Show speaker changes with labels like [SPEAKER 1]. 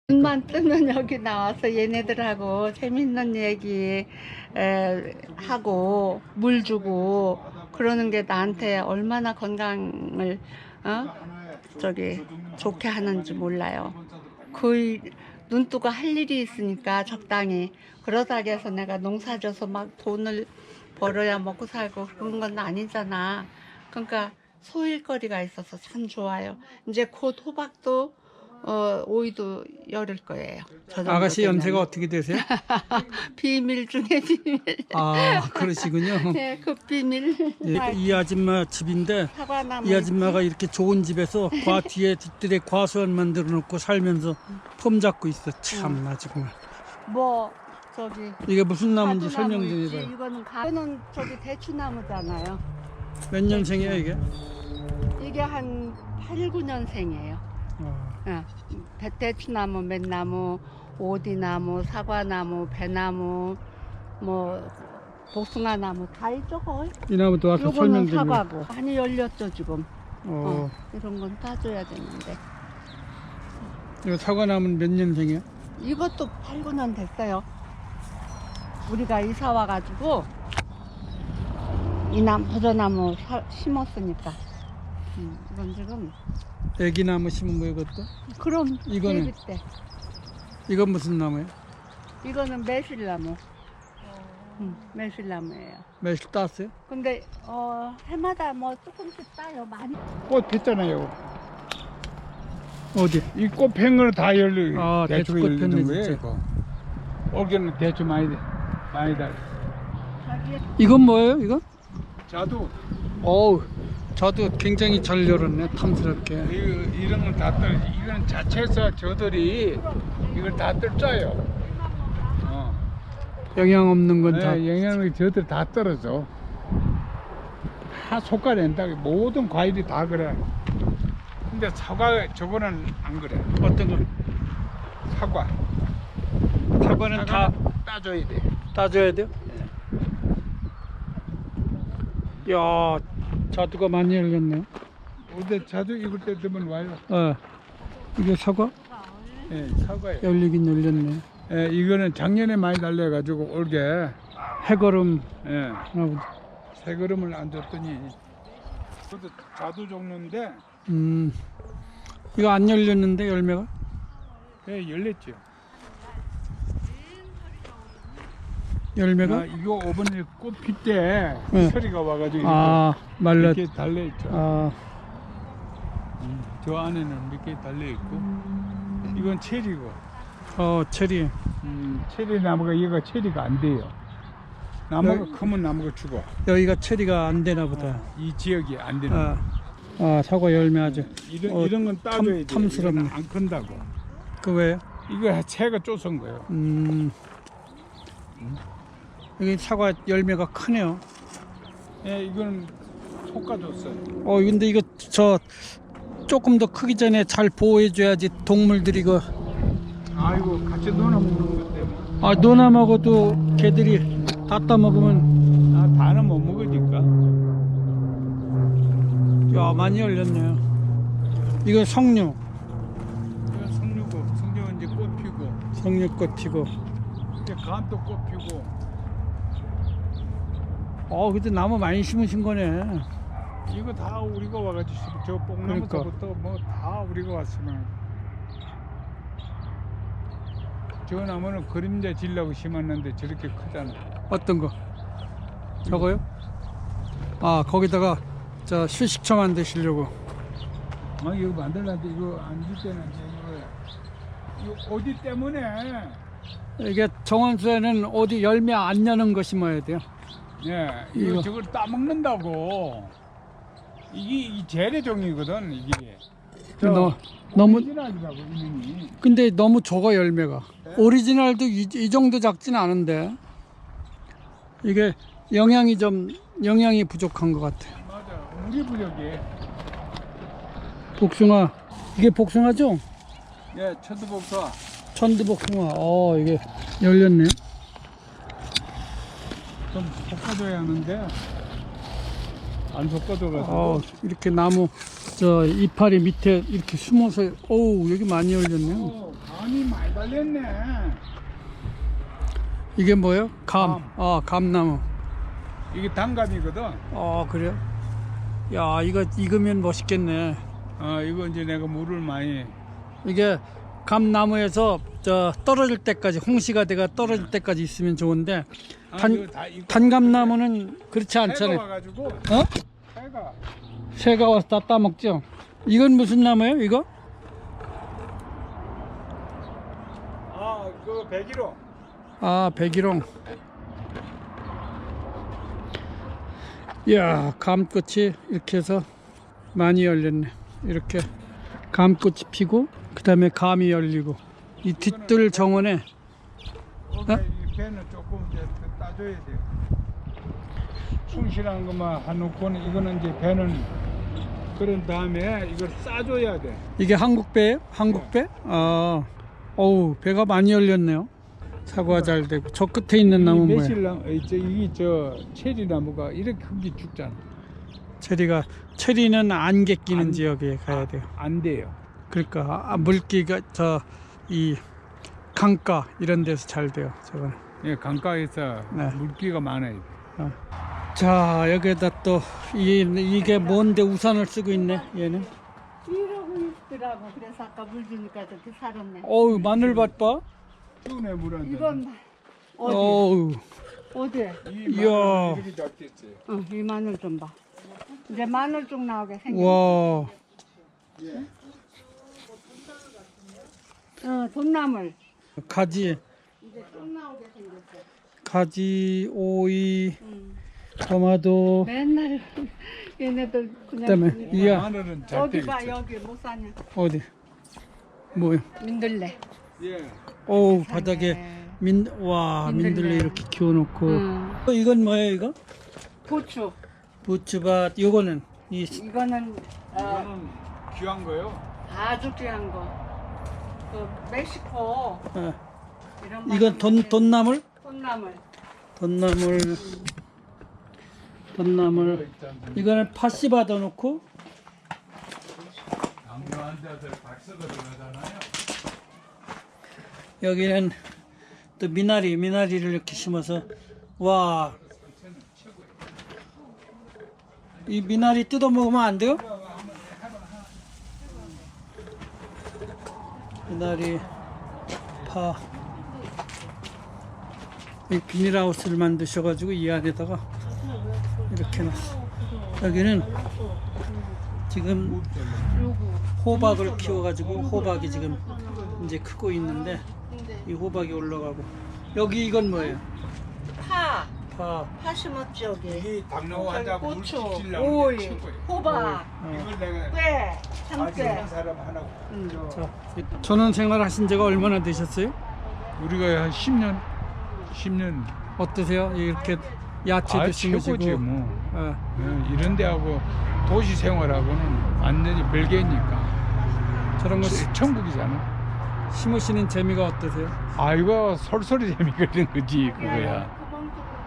[SPEAKER 1] 눈만 뜨면 여기 나와서 얘네들하고 재밌는 얘기 하고 물 주고 그러는 게 나한테 얼마나 건강을 좋게 하는지 몰라요. 거의 눈 뜨고 할 일이 있으니까 적당히 그러다고 해서 내가 농사져서 막 돈을 벌어야 먹고 살고 그런 건 아니잖아. 그러니까 소일거리가 있어서 참 좋아요. 이제 곧 호박도 오이도 열을 거예요.
[SPEAKER 2] 아가씨 연세가 어떻게 되세요?
[SPEAKER 1] 비밀 중에 비밀.
[SPEAKER 2] 아, 그러시군요.
[SPEAKER 1] 네, 그 비밀.
[SPEAKER 2] 예, 이 아줌마 집인데
[SPEAKER 1] 사과나무.
[SPEAKER 2] 이 아줌마가 이렇게 좋은 집에서 과 뒤에 뒷뜰에 과수원 만들어 놓고 살면서 폼 잡고 있어. 참나 정말.
[SPEAKER 1] 뭐 저기
[SPEAKER 2] 이게 무슨 나무인지
[SPEAKER 1] 가두나무
[SPEAKER 2] 설명 좀
[SPEAKER 1] 있지.
[SPEAKER 2] 해봐요.
[SPEAKER 1] 이거는 저기 대추나무잖아요.
[SPEAKER 2] 몇 년생이야 이게?
[SPEAKER 1] 이게 한 8, 9년생이에요. 대추나무, 맨나무, 오디나무, 사과나무, 배나무, 뭐 복숭아나무 다 있죠 거의.
[SPEAKER 2] 이 나무도 와서 설명
[SPEAKER 1] 요거는
[SPEAKER 2] 좀 해봐요.
[SPEAKER 1] 사과고 많이 열렸죠 지금.
[SPEAKER 2] 어,
[SPEAKER 1] 이런 건 따줘야 되는데
[SPEAKER 2] 이거 사과나무는 몇 년생이야?
[SPEAKER 1] 이것도 8, 9년 됐어요. 우리가 이사 와가지고 이 버저나무 심었으니까. 이건 지금
[SPEAKER 2] 애기 나무 심은 거야 이것도?
[SPEAKER 1] 그럼
[SPEAKER 2] 이거는?
[SPEAKER 1] 데뷔 때.
[SPEAKER 2] 이건 무슨 나무야?
[SPEAKER 1] 이거는 매실나무. 매실나무예요.
[SPEAKER 2] 매실 땄어요?
[SPEAKER 1] 근데 해마다 뭐 조금씩 따요. 많이.
[SPEAKER 3] 꽃 됐잖아요.
[SPEAKER 2] 어디?
[SPEAKER 3] 이 꽃 핀 거는 다 열려.
[SPEAKER 2] 아,
[SPEAKER 3] 대추가
[SPEAKER 2] 대추꽃 폈네,
[SPEAKER 3] 열리는 거예요.
[SPEAKER 2] 진짜.
[SPEAKER 3] 이거. 올겨는 대추 많이 달.
[SPEAKER 2] 이건 뭐예요 이거?
[SPEAKER 3] 자두
[SPEAKER 2] 어우, 저도 굉장히 잘 열었네 탐스럽게.
[SPEAKER 3] 이런 건 다 떨어지. 이건 자체에서 저들이 이걸 다 떨어져요.
[SPEAKER 2] 영양 없는 건 다.
[SPEAKER 3] 영양이 저들 다 떨어져. 다 속가낸다. 모든 과일이 다 그래. 근데 사과 저거는 안 그래.
[SPEAKER 2] 어떤 거?
[SPEAKER 3] 사과.
[SPEAKER 2] 사과는 다
[SPEAKER 3] 따줘야 돼.
[SPEAKER 2] 따줘야 돼요? 야, 자두가 많이 열렸네요.
[SPEAKER 3] 근데 자두 익을 때 되면 와요.
[SPEAKER 2] 이게 사과?
[SPEAKER 3] 예, 사과예요.
[SPEAKER 2] 열리긴 열렸네.
[SPEAKER 3] 예, 이거는 작년에 많이 달려가지고 올게
[SPEAKER 2] 해거름.
[SPEAKER 3] 예,
[SPEAKER 2] 하나
[SPEAKER 3] 새 그릇을 안 줬더니 그것도 자두 종류인데
[SPEAKER 2] 이거 안 열렸는데 열매가?
[SPEAKER 3] 예, 열렸죠.
[SPEAKER 2] 열매가?
[SPEAKER 3] 아, 이거 이번에 꽃 필 때
[SPEAKER 2] 네.
[SPEAKER 3] 서리가 와가지고
[SPEAKER 2] 아, 말랐.
[SPEAKER 3] 이렇게 달려있죠.
[SPEAKER 2] 아,
[SPEAKER 3] 저 안에는 몇 개 달려있고 이건 체리고
[SPEAKER 2] 체리.
[SPEAKER 3] 체리 나무가 얘가 체리가 안 돼요. 나무가 크면 나무가 죽어.
[SPEAKER 2] 여기가 체리가 안 되나 보다.
[SPEAKER 3] 이 지역이 안 되는
[SPEAKER 2] 사과 열매 아주.
[SPEAKER 3] 이런 건 따줘야 돼.
[SPEAKER 2] 탐스럽네.
[SPEAKER 3] 이건 안 큰다고.
[SPEAKER 2] 그 왜요?
[SPEAKER 3] 이거 새가 쫓은 거예요.
[SPEAKER 2] 여기 사과 열매가 크네요.
[SPEAKER 3] 예, 이거는 솎아줬어요.
[SPEAKER 2] 근데 이거 조금 더 크기 전에 잘 보호해줘야지 동물들이 이거.
[SPEAKER 3] 아이고 같이 놀아 먹는 것 때문에.
[SPEAKER 2] 노나 먹어도 개들이 다 따먹으면.
[SPEAKER 3] 다는 못 먹으니까.
[SPEAKER 2] 야, 많이 열렸네요. 이거 석류.
[SPEAKER 3] 이건 석류고, 석류는 이제 꽃 피고,
[SPEAKER 2] 석류꽃 피고.
[SPEAKER 3] 이제 감도 꽃 피고.
[SPEAKER 2] 근데 나무 많이 심으신 거네.
[SPEAKER 3] 이거 다 우리가 와가지고 저 뽕나무서부터 뭐 다 우리가 왔으면. 저 나무는 그림자 질라고 심었는데 저렇게 크잖아.
[SPEAKER 2] 어떤 거? 저거요? 거기다가 휴식처 만드시려고.
[SPEAKER 3] 이거 만들려는데 이거 앉을 때는 이거 어디 때문에?
[SPEAKER 2] 이게 정원수에는 어디 열매 안 여는 거 심어야 돼요.
[SPEAKER 3] 예, 이거 저걸 따먹는다고. 이게 재래종이거든 이게.
[SPEAKER 2] 너무.
[SPEAKER 3] 오리지널이라고 이름이.
[SPEAKER 2] 근데 너무 적어 열매가. 오리지널도 이 정도 작진 않은데 이게 영양이 부족한 것 같아요.
[SPEAKER 3] 맞아, 물이 부족해.
[SPEAKER 2] 복숭아. 이게 복숭아죠?
[SPEAKER 3] 예, 천두복숭아.
[SPEAKER 2] 천두복숭아. 이게 열렸네요.
[SPEAKER 3] 좀 볶아줘야 하는데 안 볶아줘가지고.
[SPEAKER 2] 이렇게 나무 이파리 밑에 이렇게 숨어서 여기 많이 열렸네요.
[SPEAKER 3] 많이 감이 많이 달렸네.
[SPEAKER 2] 이게 뭐예요? 감.
[SPEAKER 3] 감.
[SPEAKER 2] 아, 감나무.
[SPEAKER 3] 이게 단감이거든.
[SPEAKER 2] 그래요? 야, 이거 익으면 멋있겠네.
[SPEAKER 3] 이거 이제 내가 물을 많이.
[SPEAKER 2] 이게 감나무에서 저 떨어질 때까지 홍시가 돼가 떨어질 때까지 있으면 좋은데
[SPEAKER 3] 이거 다 이거
[SPEAKER 2] 단감나무는 그렇지
[SPEAKER 3] 새가
[SPEAKER 2] 않잖아요.
[SPEAKER 3] 와가지고.
[SPEAKER 2] 어?
[SPEAKER 3] 새가.
[SPEAKER 2] 새가 와서 다 따먹죠. 이건 무슨 나무예요? 이거?
[SPEAKER 3] 그 백일홍.
[SPEAKER 2] 아, 백일홍. 이야, 감꽃이 이렇게 해서 많이 열렸네. 이렇게 감꽃이 피고 그 다음에 감이 열리고 이 뒤뜰 정원에 어?
[SPEAKER 3] 이 배는 조금 이제 더 따줘야 돼요. 숭실한 것만 해놓고는 이거는 이제 배는 그런 다음에 이걸 싸줘야 돼.
[SPEAKER 2] 이게 한국배예요? 한국배? 어우, 배가 많이 열렸네요. 사과 잘 되고 저 끝에 있는 나무 뭐야?
[SPEAKER 3] 매실나무, 이게 저 체리나무가 이렇게 크게 죽잖아.
[SPEAKER 2] 체리는 안개 끼는
[SPEAKER 3] 안-
[SPEAKER 2] 지역에 가야 돼요.
[SPEAKER 3] 안 돼요.
[SPEAKER 2] 그러니까 물기가 이 강가 이런 데서 잘 돼요. 저거는.
[SPEAKER 3] 예, 강가에서
[SPEAKER 2] 네.
[SPEAKER 3] 물기가 많아야 돼.
[SPEAKER 2] 자, 여기다 또 이게 뭔데 우산을 쓰고 있네. 얘는.
[SPEAKER 1] 이러고 있더라고. 그래서 아까 물 주니까 저렇게 살았네.
[SPEAKER 2] 어우, 마늘밭 봐.
[SPEAKER 3] 추운에 물은
[SPEAKER 1] 이건 어디?
[SPEAKER 2] 어우.
[SPEAKER 1] 어디?
[SPEAKER 3] 이
[SPEAKER 2] 이야.
[SPEAKER 3] 마늘은 이렇게 잡겠지.
[SPEAKER 1] 이 마늘 좀 봐. 이제 마늘 쪽 나오게 생겼.
[SPEAKER 2] 와.
[SPEAKER 1] 돈나물.
[SPEAKER 2] 가지,
[SPEAKER 1] 이제 좀 나오게 생겼어.
[SPEAKER 2] 가지, 오이,
[SPEAKER 1] 응.
[SPEAKER 2] 토마토.
[SPEAKER 1] 맨날 얘네들 그냥.
[SPEAKER 2] 그다음에 이야.
[SPEAKER 3] 마늘은 잘
[SPEAKER 1] 여기
[SPEAKER 3] 되겠지.
[SPEAKER 1] 봐, 여기 못 사냐?
[SPEAKER 2] 어디? 뭐야?
[SPEAKER 1] 민들레.
[SPEAKER 3] 예.
[SPEAKER 2] 어우, 바닥에 민들레
[SPEAKER 1] 민들레.
[SPEAKER 2] 이렇게 키워놓고.
[SPEAKER 1] 응.
[SPEAKER 2] 이건 뭐예요, 이거?
[SPEAKER 1] 고추.
[SPEAKER 2] 부추밭. 요거는
[SPEAKER 1] 이거는
[SPEAKER 3] 이거는 귀한 거요.
[SPEAKER 1] 아주 귀한 거. 그 멕시코 이런
[SPEAKER 2] 이건 돈나물?
[SPEAKER 1] 돈나물.
[SPEAKER 2] 돈나물. 이거는 팥씨 받아놓고.
[SPEAKER 3] 당뇨 환자들 박스가 들어가잖아요.
[SPEAKER 2] 여기는 또 미나리를 이렇게 심어서 와. 이 미나리 뜯어 먹으면 안 돼요? 미나리, 파. 이 비닐하우스를 만드셔가지고 이 안에다가 이렇게 놨어. 여기는 지금 호박을 키워가지고 호박이 지금 이제 크고 있는데 이 호박이 올라가고 여기 이건 뭐예요?
[SPEAKER 1] 파.
[SPEAKER 2] 파.
[SPEAKER 1] 심었지 여기.
[SPEAKER 3] 이 당뇨 환자 물
[SPEAKER 1] 고추,
[SPEAKER 3] 시키려고
[SPEAKER 1] 오이,
[SPEAKER 3] 친구예요.
[SPEAKER 1] 호박,
[SPEAKER 3] 이걸 내가
[SPEAKER 1] 꽤,
[SPEAKER 3] 아직
[SPEAKER 1] 참깨.
[SPEAKER 3] 한 사람 하나.
[SPEAKER 2] 자, 전원 생활하신 지가 얼마나 되셨어요?
[SPEAKER 3] 우리가 한 10년
[SPEAKER 2] 어떠세요? 이렇게 야채도 심으시고
[SPEAKER 3] 최고지 뭐.
[SPEAKER 2] 어,
[SPEAKER 3] 이런 데하고 도시 생활하고는 완전히 별개니까.
[SPEAKER 2] 저런 거
[SPEAKER 3] 천국이잖아.
[SPEAKER 2] 심으시는 재미가 어떠세요?
[SPEAKER 3] 이거 솔솔이 재미가 있는 거지 그거야.